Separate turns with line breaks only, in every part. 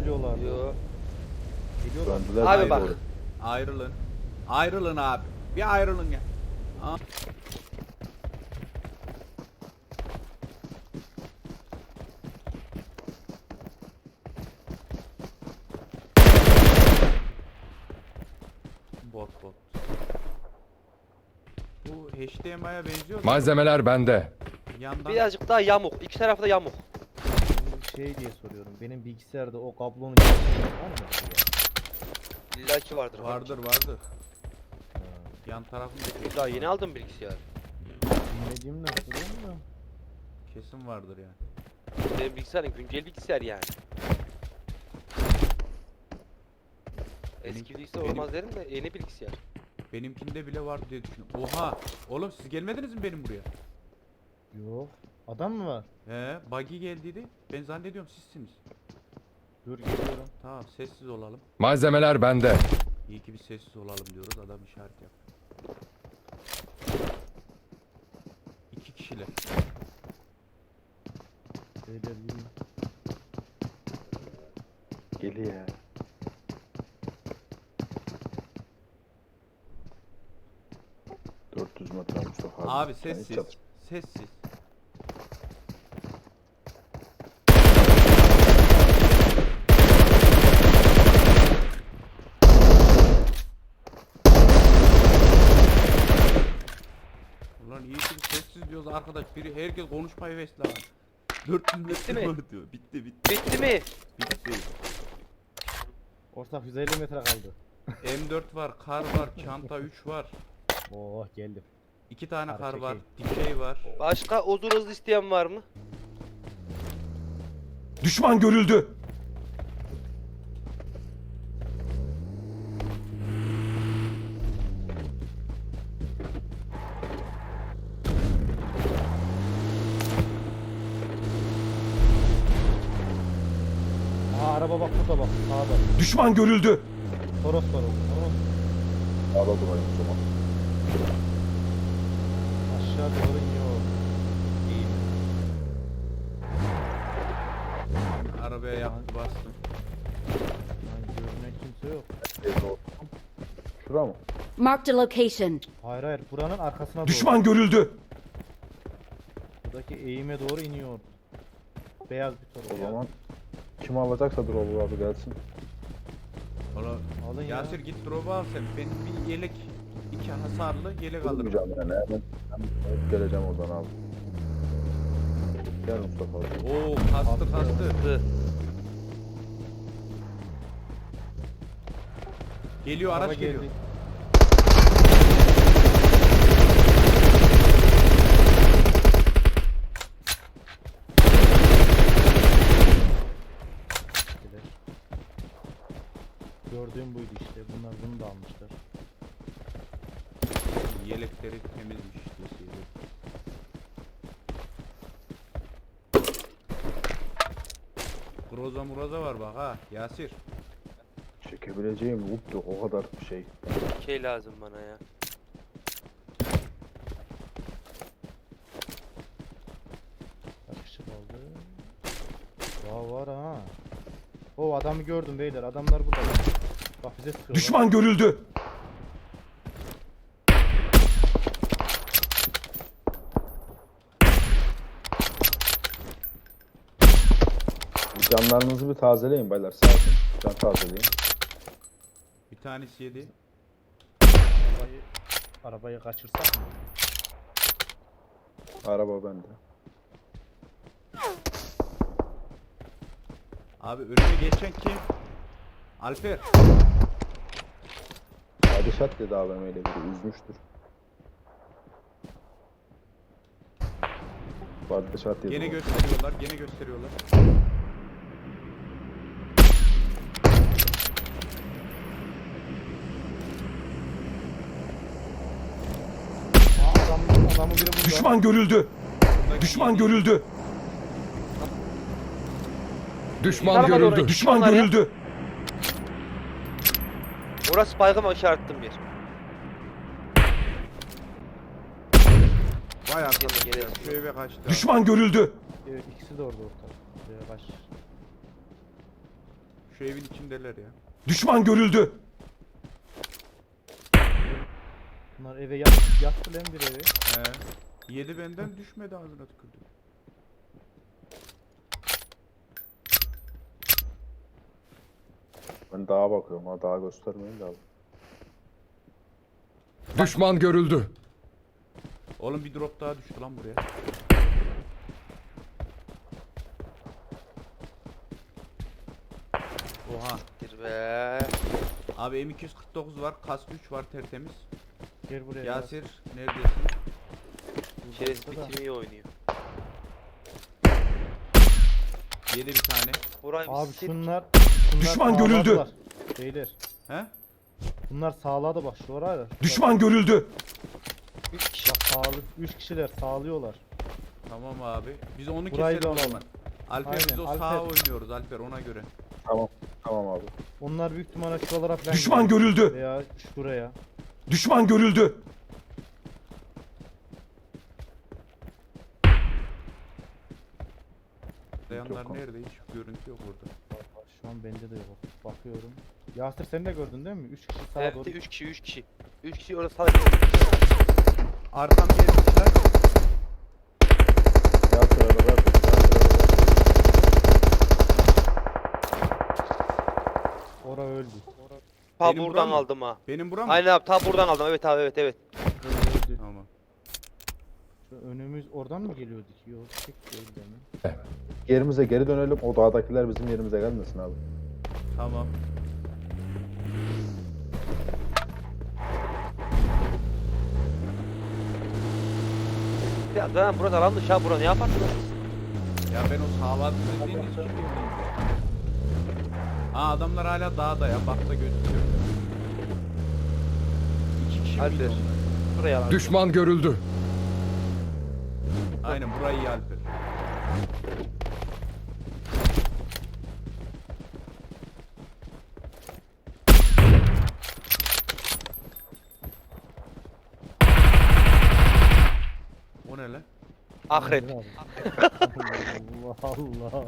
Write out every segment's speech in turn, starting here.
geliyorlar.
Yo.
Geliyorlar.
Döndüler
Abi
diye
bak.
doğru.
Ayrılın. Ayrılın abi. Bir ayrılın ya. Aa. Bot. Bu HDMI'ye benziyor.
Malzemeler bende.
Yandan
Birazcık daha yamuk. İki tarafta yamuk.
Şey diye soruyorum. Benim bilgisayarda o kablonun geçişi var mı?
İlla ki vardır.
vardır.
Ha,
Yan tarafında
Daha yeni aldım bilgisayar.
bilmediğimden soruyorum da.
kesin vardır yani.
Benim bilgisayarım güncel bilgisayar yani. Eski bilgisayar
benim-
olmaz derim de yeni bilgisayar.
Benimkinde bile var diye düşünüyorum. Oha! Oğlum siz gelmediniz mi benim buraya?
Yok. Adam mı var?
He, buggy geldiydi. Ben zannediyorum sizsiniz.
Dur geliyorum.
Tamam, sessiz olalım.
Malzemeler bende.
İyi ki bir sessiz olalım diyoruz. Adam işaret yap. 2 kişiler.
Beyler yürüyün.
Geliyor ya. ...400 metre Mustafa abi.
Abi
Sen hiç
sessiz.
çatış-
Sessiz. Ulan iyi ki bir sessiz diyoruz arkadaş. Biri herkes konuşmayı vesile abi. 400 metre
mi?
var diyor. Bitti.
Bitti mi?
Bitti.
Ortak 150 metre kaldı.
M4 var, kar var, çanta 3 var.
Oh geldim.
2 tane
Kar
kar var,
çekeyim.
dikey var.
Başka uzun hızlı isteyen var mı?
Düşman görüldü.
Aa araba bak burada bak. Sağda.
Düşman görüldü.
Toros var orada. Toros.
Sağda durayım o zaman.
Aşağı doğru iniyor. İyi mi?
Arabaya yaktı bastım.
Lan görünen kimse yok.
Şura mı?
Marked a location.
Hayır hayır buranın arkasına doğru.
Düşman görüldü.
Buradaki eğime doğru iniyor. Beyaz bir
O
Toros. ya.
zaman kim alacaksa dur olur abi gelsin.
Ola,
Alın ya.
Yasir git drop'u al sen. Ben bir yelek, 2 hasarlı yelek alırım.
Durmayacağım yani. Ben hep geleceğim oradan abi. Gel Mustafa abi.
Oo kastı.
Hı.
Geliyor
Araba
araç geliyor.
geldi. Gider. Gördüğüm buydu işte. Bunlar bunu da almışlar.
Yelekleri temizmiş deseydi. Groza muraza var bak ha Yasir.
Çekebileceğim loot yok o kadar şey.
Şey lazım bana ya.
Kaç kişi kaldı? Var ha. O adamı gördüm beyler. Adamlar burada. Bak bize sıkıyorlar.
Düşman görüldü.
Canlarınızı bir tazeleyin baylar. Sağ olun. Can tazeleyin.
Bir tanesi yedi.
Arabayı kaçırsak mı?
Araba bende.
Abi önüme geçen kim? Alper.
Padişat dedi AVM'yle biri üzmüştür. Padişat dedi.
Gene
o.
gösteriyorlar.
Adamı biri burada.
Düşman görüldü.
Buradaki
Düşman
yedi.
görüldü. Düşman
Tarafa doğru
görüldü.
git,
Düşman
onlar ya.
görüldü.
Orası baygın işarettim bir.
Vay arkadaş
Gene
ya,
geliyor.
şu eve kaçtı.
Düşman görüldü.
Evet ikisi de orada ortak. Buraya kaç.
Şu evin içindeler ya.
Düşman görüldü.
Bunlar eve yattı lan bir evi.
He. Yedi benden düşmedi ağzına tükürdü.
Ben dağa bakıyorum ha, dağa göstermeyin de abi.
Düşman görüldü.
Oğlum bir drop daha düştü lan buraya. Oha.
Bir be.
Abi M249 var, kask 3 var tertemiz.
Gel buraya.
Yasir neredesin?
Şeref
Burada da.
bitimi oynuyor.
Yedi bir tane.
Burayı bir
Abi
sil.
şunlar
Düşman görüldü.
sağladılar. Beyler.
He?
Bunlar sağladı bak şu var ya.
Düşman görüldü.
3 kişi.
Bak sağlı. 3 kişiler sağlıyorlar.
Tamam abi. Biz onu
Burayı
keselim
da
o
alalım.
zaman. Alper
Aynen,
biz o
Alper.
sağa oynuyoruz Alper ona göre.
Tamam abi.
Onlar büyük ihtimalle şuralara falan
Düşman
gidiyor.
görüldü.
Veya şuraya.
Düşman görüldü.
Dayanlar
Yok.
nerede? Hiç görüntü yok orada.
Şu an bende de yok. Bakıyorum. Yasir sen de gördün değil mi? 3 kişi sağa
Evet
doğru.
3 kişi 3 kişi. 3 kişi orada sadece.
Arkam gelmişler.
Ya sırada ver.
Ora öldü.
Ta
Benim
buradan
buram mı?
aldım ha.
Benim buram mı?
Aynen abi ta buradan aldım. Evet abi evet.
Ora öldü.
Tamam.
Şu önümüz oradan mı geliyordu ki? Yok tek değil mi?
Yerimize geri dönelim. O dağdakiler bizim yerimize gelmesin abi.
Tamam.
Ya zaten burası alan dışı ha bura ne yaparsın?
Ya ben o sağlam dediğin için bilmiyorum. Aa adamlar hala dağda ya. Bakta gözüküyor. İki kişi miydi
Alper.
onlar?
Buraya alan.
Düşman görüldü.
Aynen burayı iyi Alper. O ne lan?
Akrep.
Allah Allah.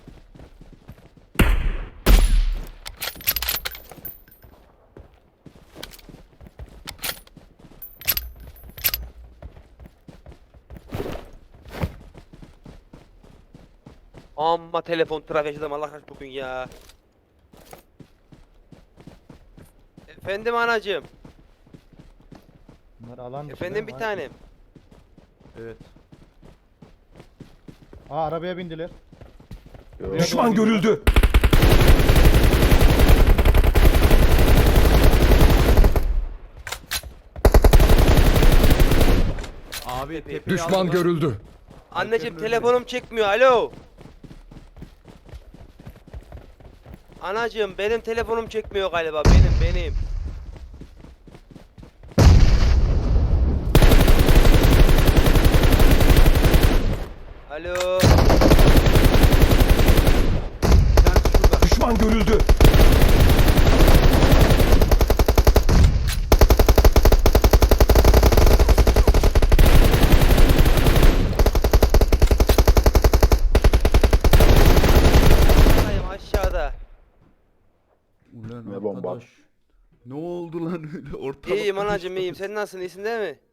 Amma telefon trafiği yaşadım Allah aşkına bugün ya. Efendim anacığım.
Bunlar alan dışı
Efendim
değil
bir
mi?
tanem.
Evet.
Aa arabaya bindiler.
Yok.
Düşman görüldü.
Abi tepeyi
Düşman
aldılar.
görüldü.
Anneciğim
Alper'in
telefonum çekmiyor. Alo. Anacığım benim telefonum çekmiyor galiba. Benim. Alo.
Bir tanesi şurada.
Düşman görüldü.
Buradayım aşağıda.
Ulan
Ne bomba?
arkadaş. Ne oldu lan öyle ortalık?
İyiyim anacığım iyiyim. Sen nasılsın? İyisin değil mi?